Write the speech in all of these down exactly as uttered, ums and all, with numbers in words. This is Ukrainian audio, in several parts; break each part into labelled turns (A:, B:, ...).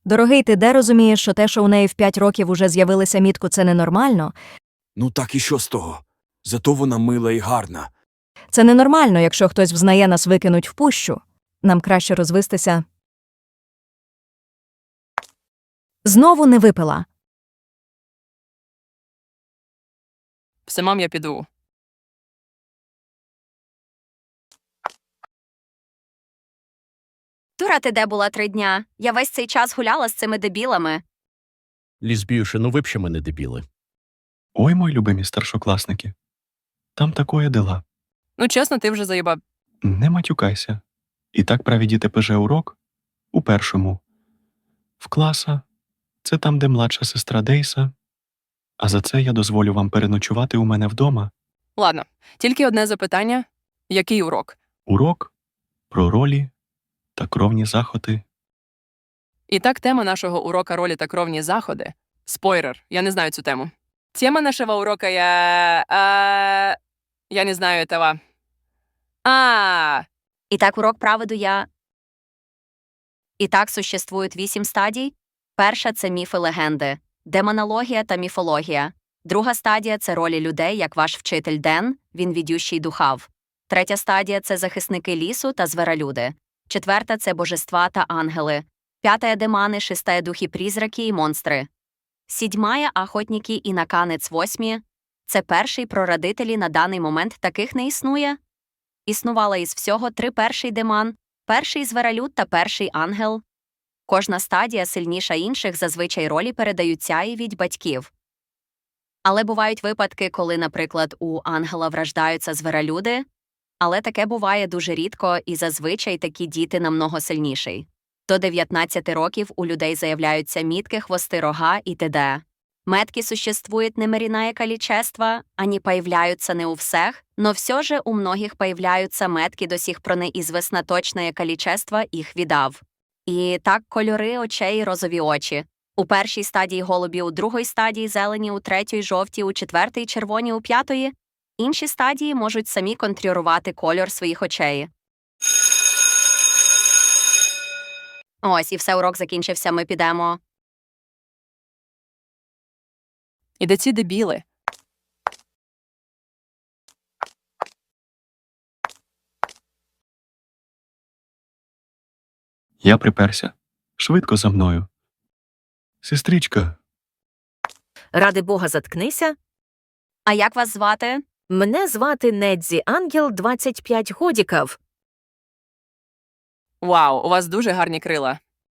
A: Дорогий, ти де розумієш, що те, що у неї в п'ять років уже з'явилися мітку, це ненормально?
B: Ну так і що з того? Зато вона мила і гарна.
A: Це ненормально, якщо хтось взнає, нас викинуть в пущу. Нам краще розвестися. Знову не випила.
C: Все, мам, я піду.
D: Тура, ти де була три дня? Я весь цей час гуляла з цими дебілами.
E: Лізбіюши, ну ви б ще мене дебіли.
F: Ой, мої любимі старшокласники. Там такое дела.
C: Ну, чесно, ти вже заїбав.
F: Не матюкайся. І так проведіте ПЖ урок у першому. В класа. Це там, де младша сестра Дейса. А за це я дозволю вам переночувати у мене вдома.
C: Ладно, тільки одне запитання. Який урок?
F: Урок про ролі та кровні заходи.
C: І так, тема нашого урока ролі та кровні заходи. Спойлер, я не знаю цю тему. Тема нашого урока я... А... Я не знаю этого. А,
D: І так урок проведу я. І так существують вісім стадій. Перша – це міфи-легенди, демонологія та міфологія. Друга стадія – це ролі людей, як ваш вчитель Ден, він відющий духав. Третя стадія – це захисники лісу та зверолюди. Четверта – це божества та ангели. П'ята – демони, шестая – духи-призраки і монстри. Сідьмая – охотники і наканець восьмі. Це перший прародителі, на даний момент таких не існує. Існувало із всього три: перший демон, перший зверолюд та перший ангел. Кожна стадія сильніша інших, зазвичай ролі передаються і від батьків. Але бувають випадки, коли, наприклад, у ангела враждаються зверолюди, але таке буває дуже рідко, і зазвичай такі діти намного сильніші. До дев'ятнадцяти років у людей заявляються мітки, хвости, рога і т.д. Метки существует немеренное количество, они появляются не у всех, но все же у многих появляются метки, до сих про неізвестне точне количество їх видав. І так кольори очей, розові очі. У першій стадії голубі, у другій стадії зелені, у третій жовті, у четвертій червоні, у п'ятої. Інші стадії можуть самі контролювати кольор своїх очей. Ось, і все, урок закінчився, ми підемо.
C: і де ці дебіли?
F: Я приперся. Швидко за мною. Сестричка,
G: Ради Бога, заткнися.
D: А як вас звати?
G: Мене звати Недзі Ангел, двадцять п'ять годіків.
C: Вау, у вас дуже гарні крила.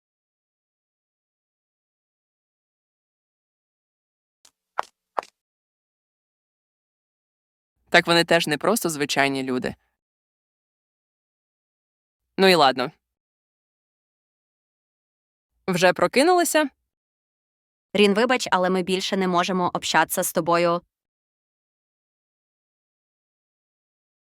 C: Так вони теж не просто звичайні люди. Ну і ладно. Вже прокинулися?
D: Рін, вибач, але ми більше не можемо общатися з тобою.